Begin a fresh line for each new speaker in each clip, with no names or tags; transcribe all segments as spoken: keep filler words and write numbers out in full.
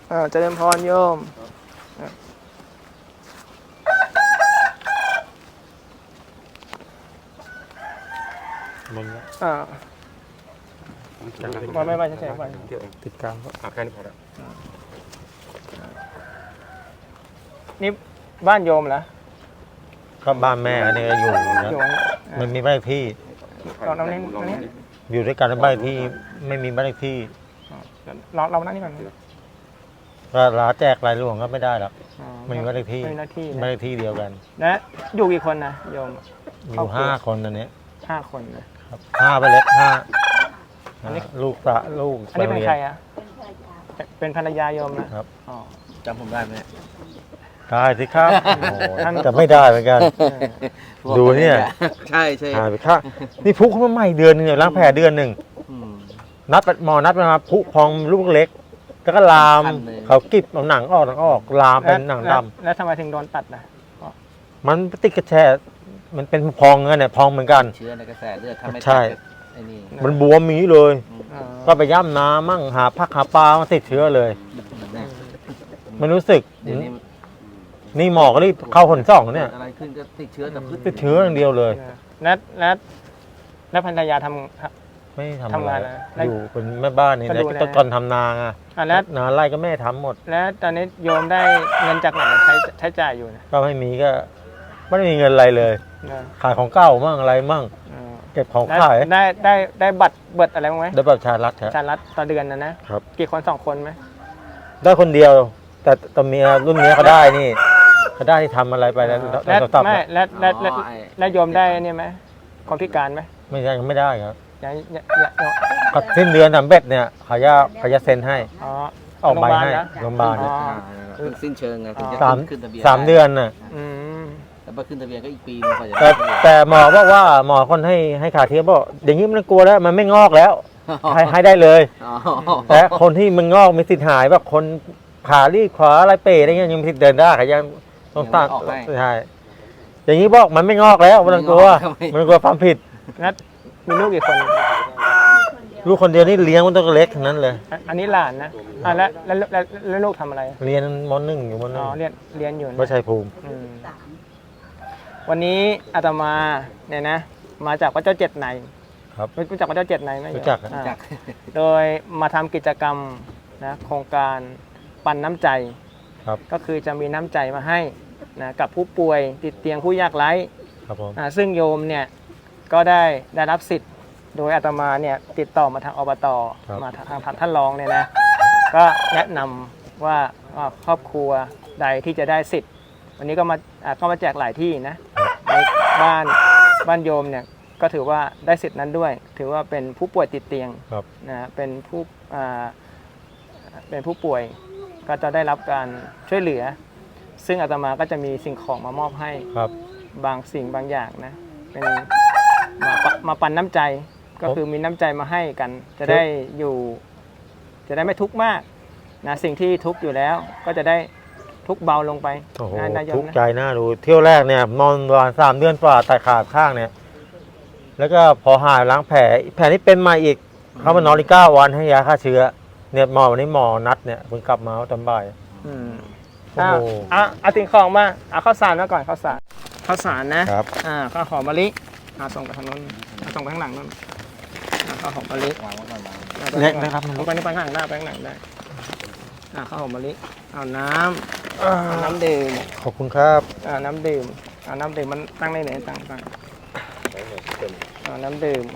อ่าเจริญพรโยม
มัน
อ่าไม่ไม่ไม่ใช่ใช่ไป
ติดกลางก็อาแค่นี้พอแล้ว
นี่บ้านโยมเหรอ
ก็บ้านแม่อันนี้ก็อยู่นะมันมีบ้านที่
เราเราเนี่ยเราเนี่ย
อยู่ด้วยกันในบ้านที่ไม่มีบ้านที่
เราเรานั่งนี่ก่อน
ก็ลาแจกรายหลวงก็ไม่ได้หรอกไม่มีบ้านที่
ไม่มีหน้าที่
บ้านที่เดียวกัน
และอยู่กี่คนนะโยม
อยู่ห้าคนตอนนี้
ห้าคนนะครับ
ห้าไปเล็กห้าลูกตาลูก
อันนี้เป็นใครอ่ะเป็นภรรยาโยมนะครับ
จำผมได้ไหม
ได้สิครับแต่ไม่ได้เหมือนกันดูเนี่ย
ใช่ใช่
หายไปค่ะนี่พุเขามาใหม่เดือนนึงล้างแผลเดือนหนึ่งนัดหมอนัดมาพุพองลูกเล็กแล้วก็ลามเขากิบเอาหนังออกหนังออกลามเป็นหนังดำ
แล้วทำไมถึงโดนตัดนะ
มันติดกระแชมันเป็นพองเงี้ยเนี่ยพองเหมือนกัน
เชื้อในกระแสเลือดทำให้
ใช่มันบวมมีเลยก็ไปย่ำน้ำมั่งหาพักหาปลามาติดเชื้อเลยมันรู้สึกนี่หมอก็รีบเข้าคนสองเนี่ย
อะไรขึ้นก็ติดเชื้อแต่
ติดเชื้ออย่างเดียวเลย
นัดนัดแล้วภรรยาท
ำไม่ทำอะไรอยู่เป็นแม่บ้านนี่นะตอนทำนาอ่ะ
แล้ว
นาไร่ก็แม่ทำหมด
แล้วตอนนี้โยมได้เงินจากไหนใช้ใช้จ่ายอยู่นะ
ก็ไม่มีก็ไม่ได้มีเงินอะไรเลยขายของเก่ามั่งอะไรมั่งเก็บของขาย
ได้ได้ได้บัตรเบิดอะไรบ้างไหม
ได้บัตรชาลัด
ชาลัดต่อเดือนนะนะครับกี่คนสองคนไหม
ได้คนเดียวแต่ตอนเมียรุ่นนี้เขาได้นี่เขาได้ที่ทำอะไรไปแล้ว
แล้วไม่แล้วแล้วแล้วโยมได้เนี่ยไหมคนพิการไหม
ไม่ได้ยังไม่ได้ครับ
ยังยัง
สิ้นเดือนทำเบ็ดเนี่ยเขาจะเขาจะเซ็นให้ออกใบให้โรงพยาบาล
สิ้นเชิงไงถึงจะขึ้นทะเบียน
สามเดือนน่ะ
แต่พอขึ้นทะเบียนก็อีกปีนึงกว่าจะ
แต่แต่หมอบอกว่าหมอคนให้ให้ขาเทียมบอกอย่างนี้มันกลัวแล้วมันไม่งอกแล้วให้ให้ได้เลยแต่คนที่มันงอกมีสิทธิ์หายแบบคนขาลีบขวาอะไรเป๋อะไรเงี้ยยังมีสิทธิ์เดินได้ขายังต้องตั้งใช่อย่างนี้บอกมันไม่งอกแล้วมันกลัวมันกลัวความผิด
นัดมีลูกกี่คน
ลูกคนเดียวนี่เลี้ยงมันต้องเล็กทั้งนั้นเลย
อันนี้หลานนะอ่าแล้วแล้วแล้วลูกทำอะไร
เรียนม.หนึ่งอยู่ม.หนึ่ง
อ๋อเรียนเรียนอยู่
วัดชัยภูมิ
วันนี้อาตมาเนี่ยนะมาจากวัดเจ้าเจ็ดใน
ครับ
รู้จักวัดเจ้าเจ็ดในไหม
รู้จัก
โดยมาทำกิจกรรมนะโครงการปันน้ำใจก็คือจะมีน้ำใจมาให้นะกับผู้ป่วยติดเตียงผู้ยากไร้ซึ่งโยมเนี่ยก็ได้ได้รับสิทธิ์โดยอาตมาเนี่ยติดต่อมาทางอบต.มาทางท่านรองเนี่ยนะก็แนะนำว่าครอบครัวใดที่จะได้สิทธิ์วันนี้ก็มาก็มาแจกหลายที่นะในบ้านบ้านโยมเนี่ยก็ถือว่าได้สิทธิ์นั้นด้วยถือว่าเป็นผู้ป่วยติดเตียงนะเป็นผู้เป็นผู้ป่วยก็จะได้รับการช่วยเหลือซึ่งอาตมาก็จะมีสิ่งของมามอบให้บางสิ่งบางอย่างนะเป็นมามาปันน้ำใจก็คือมีน้ำใจมาให้กันจะได้อยู่จะได้ไม่ทุกข์มากนะสิ่งที่ทุกข์อยู่แล้วก็จะได้ทุกข์เบาลงไป
ทุกข์ใจน่าดูเที่ยวแรกเนี่ยนอนวันสามเดือนฝ่าไตขาข้างเนี่ยแล้วก็พอหายล้างแผลแผลที่เป็นมาอีกเขามานอนอีกเก้าวันให้ยาฆ่าเชื้อเนี่ยหมอวันนี้หมอนัดเนี่ยเพิ่งกลับมาตอนบ่าย
อืมอ่าอ่ะเอาสิ่งของมาเอาข้าวสารมาก่อนข้าวสารข้าวสารนะครับอ่าข้าวหอมมะลิอ่าส่งไปทางนู้นส่งไปข้างหลังนู้นข้าวหอมมะลิ
เล็กนะครับ
มันไปนี่ไปข้างหลังได้ไปข้างหลังได้อ่าข้าวหอมมะลิเอาน้ำน้ำดื่ม
ขอบคุณครับ
อ่าน้ำดื่มอ่าน้ำดื่มมันตั้งได้ไหนตั้งตั้งอ่าน้ำดื่ม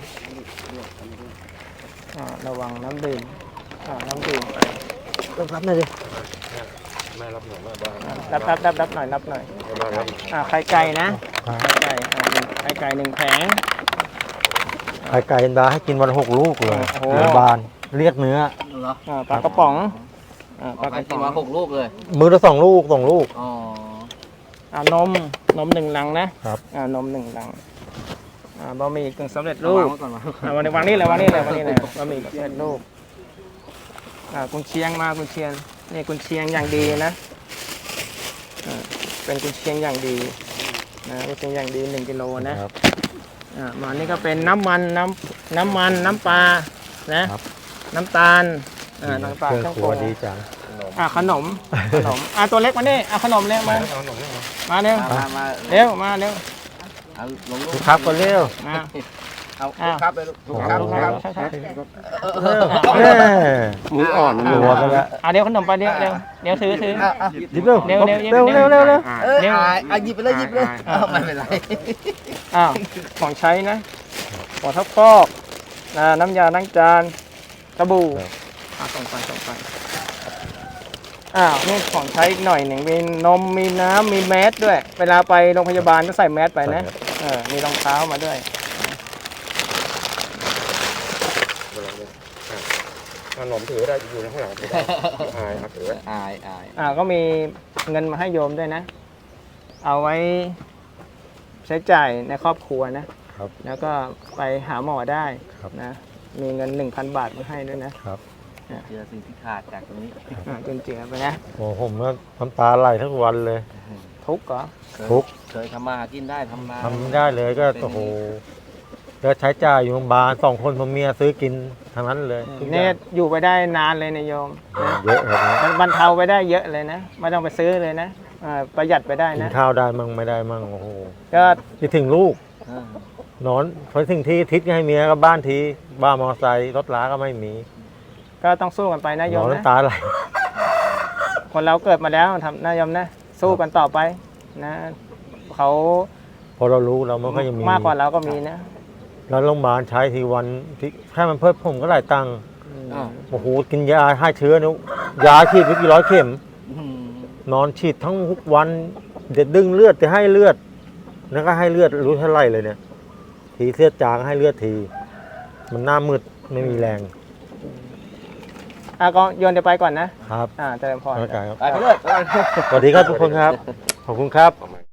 อ่าระวังน้ำดื่มอ่าน้ำดื่มไป
รับรับหน่อยดิ
แม่รับหน่อยแม่บ้าน
รับรับรับรับหน่อยรับหน่อยอ่าไข่ไก่นะไข่ไก่อ่าไข่ไก่หนึ่งแผง
ไข่ไก่บาให้กินวันหกลูกเลยบานเรียกเนื้อ
ปลากระป๋อง
ปลากระป๋องมาหกลูกเลย
มือละสองลูกสองลูก
อ๋ออ่านมนมหนึ่งลังนะครับอ่านมหนึ่งลังอ่าบะหมี่กึ่งสำเร็จรูปอ่าวันนี้วันนี้เลยวางนี่เลยวางนี่เลยบะหมี่สำเร็จรูปอ่ากุนเชียงมากุนเชียงนี่กุนเชียงอย่างดีนะอ่าเป็นกุนเชียงอย่างดีนะกุนเชียงอย่างดีหนึ่งกิโลนะอ่ามานี่ก็เป็นน้ำมันน้ำน้ำมันน้ำปลานะน้ำตาลอ่าน้ำตาล
เครื่องครัวดีจัง
อ่าขนมขนมอ่าตัวเล็กมานี่เอาขนมเร็วมามาเร็ว
มามามา
เร็วมาเร็ว
เอาลงลู
ลู
ก
กครับก็เร็ว
มา
เอาลูกครับเลยลูกลูกครับลูกครับ
ใช่ใช่
แม่
มืออ่อน
หัวกันแล้ว
อ่าเดี๋ยวขนมไปเดี๋ยวเร็วเดี๋ยวถือถือ
หยิบเร็ว
เร็วเร็ว
เร็วเร็วเร็วเร็ว
เอออ่ะหยิบไปเลยหยิบเลยไม่เป็นไร
อ้าวของใช้นะหัวทับฟอกนะน้ำยาล้างจานสบู่อ่าส่งไปส่งไปอ้าวนี่ของใช้อีกหน่อยหนึ่งมีนมมีน้ำมีแมสด้วย เวลาไปโรงพยาบาลก็ใส่แมสไปนะเออมีรองเท้ามาด้วย
ขนมถือได้อยู่ในข้างหลังถือได้อายครับถือไว้
อายอาย
อ่าก็มีเงินมาให้โยมด้วยนะ เอาไว้ใช้จ่ายในครอบครัวนะ
ครับ
แล้วก็ไปหาหมอได้
ครับ
นะ มีเงิน หนึ่งพัน บาทมาให้ด้วยนะครับ
เจอสิ่งที่ขาดจากตรงนี้
อ่าจนเจือไปนะ
โอ้ผมก็น้ำตาไหลทั้งวันเลย
ทุกข์เหรอ
เคย
ทุกข์
เคยทำมาหากินได้ทำนา
ทำไม่ได้เลยก็โอ้โหก็ใช้จ่ายอยู่โรงพยาบาลสองคนผมเมียซื้อกินทั้งนั้นเลยทุกอ
เนี่
ย่าย ง
อยู่ไปได้นานเลยนะโยมนะ
เยอะครับ
มันบรรเทาไปได้เยอะเลยนะ ไม่ต้องไปซื้อเลยนะอ่าประหยัดไปได้
กิน
นะ
ข้าวได้มั่งไม่ได้มั่งโอ้โห
ก็
คิดถึงลูก
เออน
อนพอถึงที่ทิศให้เมียก็บ้านทีบ้านมอเตอร์ไซค์รถล้าก็ไม่มี
ก็ต้องสู้กันไปนะโย
นอ
ม
น
นะ
น้ำตาไหล
คนเราเกิดมาแล้วทำนะโยมนะ สู้กันต่อไปนะ เขา
พอเรารู้เราไม่ค่อยจะมี
มากกว่าเราก็มีนะ
แล้วโรงพยาบาลใช้ทีวันที่แค่มันเพิ่มผมก็หลายตังค์
อ้าว
โอ้โหกินยาให้เชื้อนุยาฉีดไปกี่ร้อยเข็ม
อืม
นอนฉีดทั้งทุกวันเด็ดดึงเลือดจะให้เลือดแล้วก็ให้เลือดรู้เท่าไหรเลยเนี่ย ทีเสียจางให้เลือดที มันหน้ามืดไม่มีแรง
อ่ะก็โยนเดี๋ยวไปก่อนนะ
ครับ
อ่าเจริญพร
เข้าใจครับ
ไปไปเลย
สวัสดีครับทุกคนครับ ขอบคุณครับ